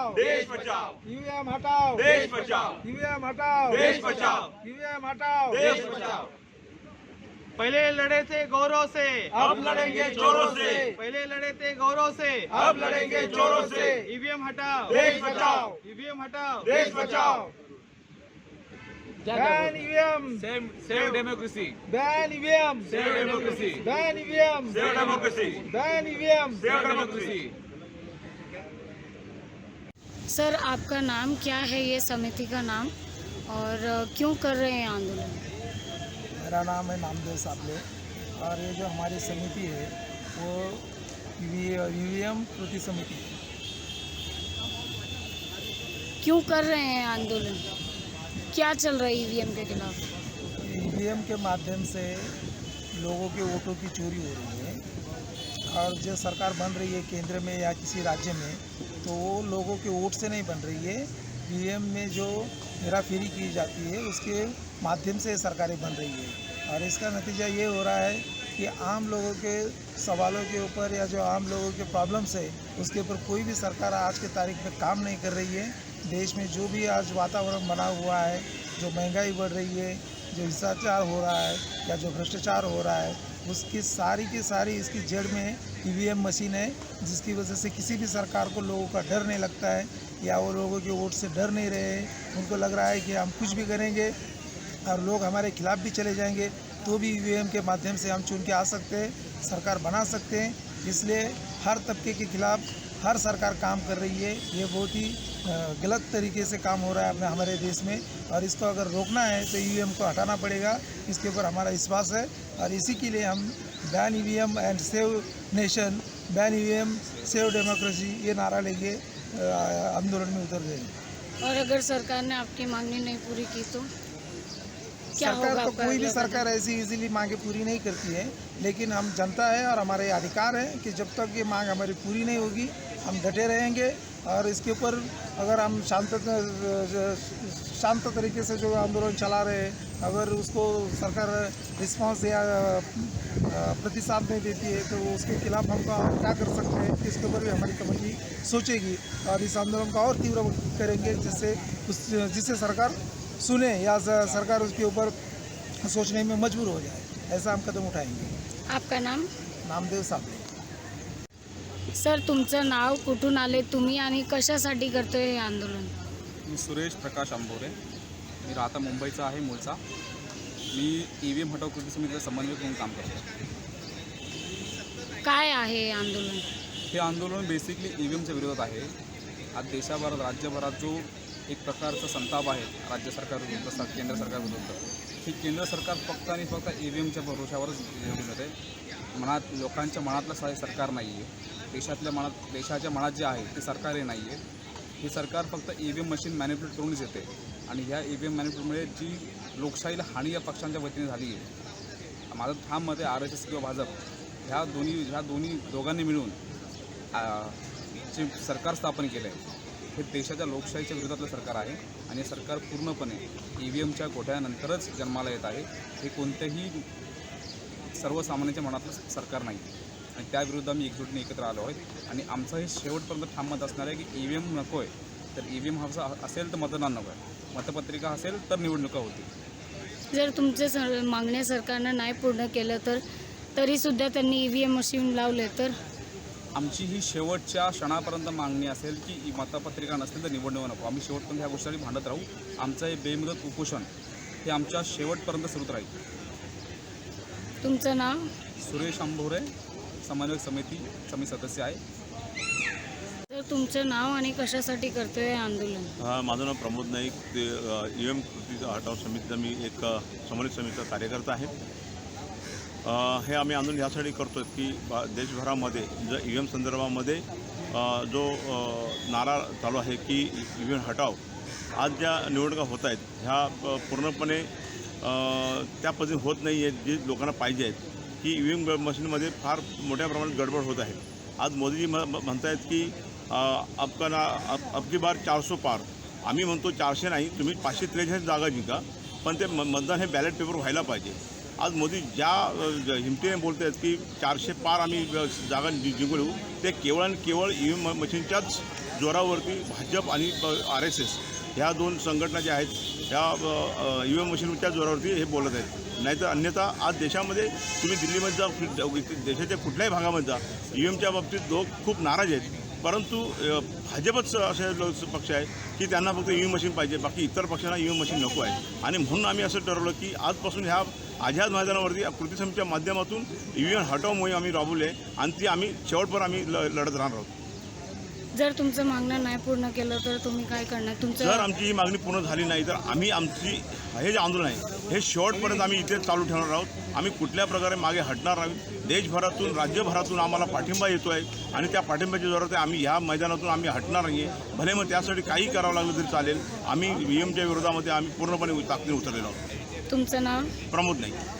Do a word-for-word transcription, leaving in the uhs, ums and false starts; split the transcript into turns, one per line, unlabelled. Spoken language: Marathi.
हटाओ,
देश बचाओ,
ईवीएम हटाओ,
देश बचाओ,
ईवीएम हटाओ,
देश बचाओ,
ईवीएम हटाओ,
देश बचाओ।
पहले लड़े थे गौरव से,
अब लड़ेंगे चोरों से,
पहले लड़े थे गौरव से,
अब लड़ेंगे चोरों से।
ईवीएम हटाओ,
देश बचाओ,
ईवीएम हटाओ,
देश बचाओ।
Ban EVM,
Save, save democracy.
Ban EVM,
Save democracy.
Ban EVM,
save democracy,
ban EVM.
Save democracy.
Sir आपका नाम क्या है, ये समिति का नाम, और क्यों कर रहे हैं आंदोलन?
मेरा नाम है नामदेव साबले और ये जो हमारी समिति है वो ईवीएम प्रति समिति है।
क्यों कर रहे हैं आंदोलन, क्या चल रहा है ईवीएम के खिलाफ?
ईवीएम के माध्यम से लोगों के वोटों की चोरी हो रही है और जो सरकार बन रही है केंद्र में या किसी राज्य में, तो वो लोगों के वोट से नहीं बन रही है। ईवीएम में जो हेराफेरी की जाती है उसके माध्यम से सरकारें बन रही है और इसका नतीजा ये हो रहा है कि आम लोगों के सवालों के ऊपर या जो आम लोगों के प्रॉब्लम्स है उसके ऊपर कोई भी सरकार आज के तारीख में काम नहीं कर रही है। देश में जो भी आज वातावरण बना हुआ है, जो महंगाई बढ़ रही है, जो हिंसाचार हो रहा है या जो भ्रष्टाचार हो रहा है, उसकी सारी की सारी इसकी जड़ में ईवीएम मशीन है, जिसकी वजह से किसी भी सरकार को लोगों का डर नहीं लगता है या वो लोगों के वोट से डर नहीं रहे हैं। उनको लग रहा है कि हम कुछ भी करेंगे और लोग हमारे खिलाफ भी चले जाएंगे तो भी ईवीएम के माध्यम से हम चुन के आ सकते हैं, सरकार बना सकते हैं। इसलिए हर तबके के खिलाफ हर सरकार काम कर रही है। ये बहुत ही गलत तरीके से काम हो रहा है अपने हमारे देश में और इसको अगर रोकना है तो ईवीएम को हटाना पड़ेगा। इसके ऊपर हमारा विश्वास है और इसी के लिए हम ban EVM and save nation, ban EVM save democracy ये नारा लेके आंदोलन में उतर गए।
और अगर सरकार ने आपकी मांगनी नहीं पूरी की तो क्या होगा?
सरकार तो
आपका
कोई भी
अगला
सरकार ऐसी इजीली मांगे पूरी नहीं करती है, लेकिन हम जनता है और हमारे अधिकार है कि जब तक ये मांग हमारी पूरी नहीं होगी हम डटे रहेंगे। और इसके ऊपर अगर हम शांत शांत तरीके से जो आंदोलन चला रहे हैं, अगर उसको सरकार रिस्पांस या प्रतिसाद नहीं देती है तो उसके खिलाफ हम क्या कर सकते हैं, इसके ऊपर भी हमारी कमेटी सोचेगी और इस आंदोलन को और तीव्र करेंगे जिससे उस जिससे सरकार सुने या सरकार उसके ऊपर सोचने में मजबूर हो जाए, ऐसा हम कदम उठाएंगे।
आपका नाम?
नामदेव साबले।
सर तुमचं नाव, कुठून आले तुम्ही आणि कशासाठी करतोय हे आंदोलन?
मी सुरेश प्रकाश आंबोरे, मी राहता मुंबईचा आहे मूळचा. मी ईव्हीएम हटाव कृती समितीचा समन्वयक म्हणून काम करतो.
काय आहे हे आंदोलन?
हे आंदोलन बेसिकली ईव्हीएमच्या विरोधात आहे. आज देशाभरात राज्यभरात जो एक प्रकारचा संताप आहे राज्य सरकार विरुद्ध, केंद्र सरकार विरुद्ध, ही केंद्र सरकार फक्त आणि फक्त ईव्हीएमच्या भरोशावरच निवडून येते. मनात लोकांच्या मनातलं सा सरकार नाही आहे. देशातल्या मनात देशाच्या मनात जे आहे ते सरकारही नाही आहे. ही सरकार फक्त ईव्हीएम मशीन मॅनिप्युलेट करूनच येते आणि ह्या ईव्हीएम मॅनिप्युलेटमुळे जी लोकशाहीला हानी या पक्षांच्या वतीने झाली आहे. माझं ठाम मत आहे आर एस एस किंवा भाजप ह्या दोन्ही ह्या दोन्ही दोघांनी मिळून जे सरकार स्थापन केलं आहे हे देशाच्या लोकशाहीच्या विरोधातलं सरकार आहे आणि हे सरकार पूर्णपणे ई व्ही एमच्या घोटाळ्यानंतरच जन्माला येत आहे. हे कोणत्याही सर्वसामान्यांच्या मनातलं सरकार नाही आणि त्याविरुद्ध आम्ही एकजुटीने एकत्र आलो आहोत आणि आमचं हे शेवटपर्यंत ठाम मत असणार आहे की ई व्ही एम नको आहे. तर ई व्ही एम हा असेल तर मतदान नको आहे, मतपत्रिका असेल तर निवडणुका होतील.
जर तुमचे सर मागण्या सरकारनं नाही पूर्ण केलं तर तरीसुद्धा त्यांनी ई व्ही एम मशीन लावले तर?
आमची ही शेवटच्या क्षणापर्यंत मागणी असेल की मतपत्रिका नसतील तर निवडणूक नको. आम्ही शेवटपर्यंत ह्या गोष्टी भांडत राहू. आमचं हे बेमुदत उपोषण हे आमच्या शेवटपर्यंत सुरूच राहील.
तुमचं नाव?
सुरेश आंबोरे, समन्वयक समिती समिती सदस्य आहे.
तर तुमचं नाव आणि कशासाठी करतोय हे आंदोलन?
हा, माझं नाव प्रमोद नाईक, ते ई एम कृती हटाव समितीचा मी एक समन्वय समितीचा कार्यकर्ता आहे. हे आम्ही आंदोलन यासाठी करतो आहे की देशभरामध्ये ज ई व्ही एम संदर्भामध्ये जो नारा चालू आहे की ई व्ही एम हटाव, आज ज्या निवडणुका होत आहेत ह्या पूर्णपणे त्या पद्धतीने होत नाही आहेत जी लोकांना पाहिजे आहेत. की ई व्ही एम मशीनमध्ये फार मोठ्या प्रमाणात गडबड होत आहे. आज मोदीजी म म्हणतायत की अबका ना अब अबकी बार चारशे पार. आम्ही म्हणतो चारशे नाही, तुम्ही पाचशे त्रेचाळीस जागा जिंका, पण ते मतदान हे बॅलेट पेपर व्हायला पाहिजे. आज मोदी ज्या हिमतीने बोलत आहेत की चारशे पार आम्ही जागा जिंकू, ते केवळ आणि केवळ ई व्ही एम मशीनच्याच जोरावरती भाजप आणि आर एस एस ह्या दोन संघटना ज्या आहेत ह्या ई व्ही एम मशीनच्या जोरावरती हे बोलत आहेत. नाहीतर अन्यथा आज देशामध्ये तुम्ही दिल्लीमध्ये जा, देशाच्या कुठल्याही भागामध्ये जा, ई व्ही एमच्या बाबतीत लोक खूप नाराज आहेत. परंतु भाजपच असे पक्ष आहे की त्यांना फक्त ई व्ही एम मशीन पाहिजे, बाकी इतर पक्षांना ई व्ही एम मशीन नको आहे. आणि म्हणून आम्ही असं ठरवलं की आजपासून ह्या आझाद मैदानावरती कृती समितीच्या माध्यमातून ई व्ही एम हटाव मोहीम आम्ही राबवली आहे आणि ती आम्ही शेवटपर्यंत आम्ही ल लढत राहणार आहोत.
जर तुमचं मागणं नाही पूर्ण केलं तर तुम्ही काय करणार? तुमचं
जर आमची ही मागणी पूर्ण झाली नाही तर आम्ही आमची हे जे आंदोलन आहे हे शेवटपर्यंत आम्ही इथे चालू ठेवणार आहोत. आम्ही कुठल्या प्रकारे मागे हटणार नाही. देशभरातून राज्यभरातून आम्हाला पाठिंबा येतो आहे आणि त्या पाठिंब्याच्या जोरात आम्ही ह्या मैदानातून आम्ही हटणार नाही आहे. भले मग त्यासाठी काही करावं लागलं तरी चालेल. आम्ही ई व्ही एमच्या विरोधामध्ये आम्ही पूर्णपणे ताकदीने उतरलेलो आहोत.
तुमचं नाव?
प्रमोद नाही.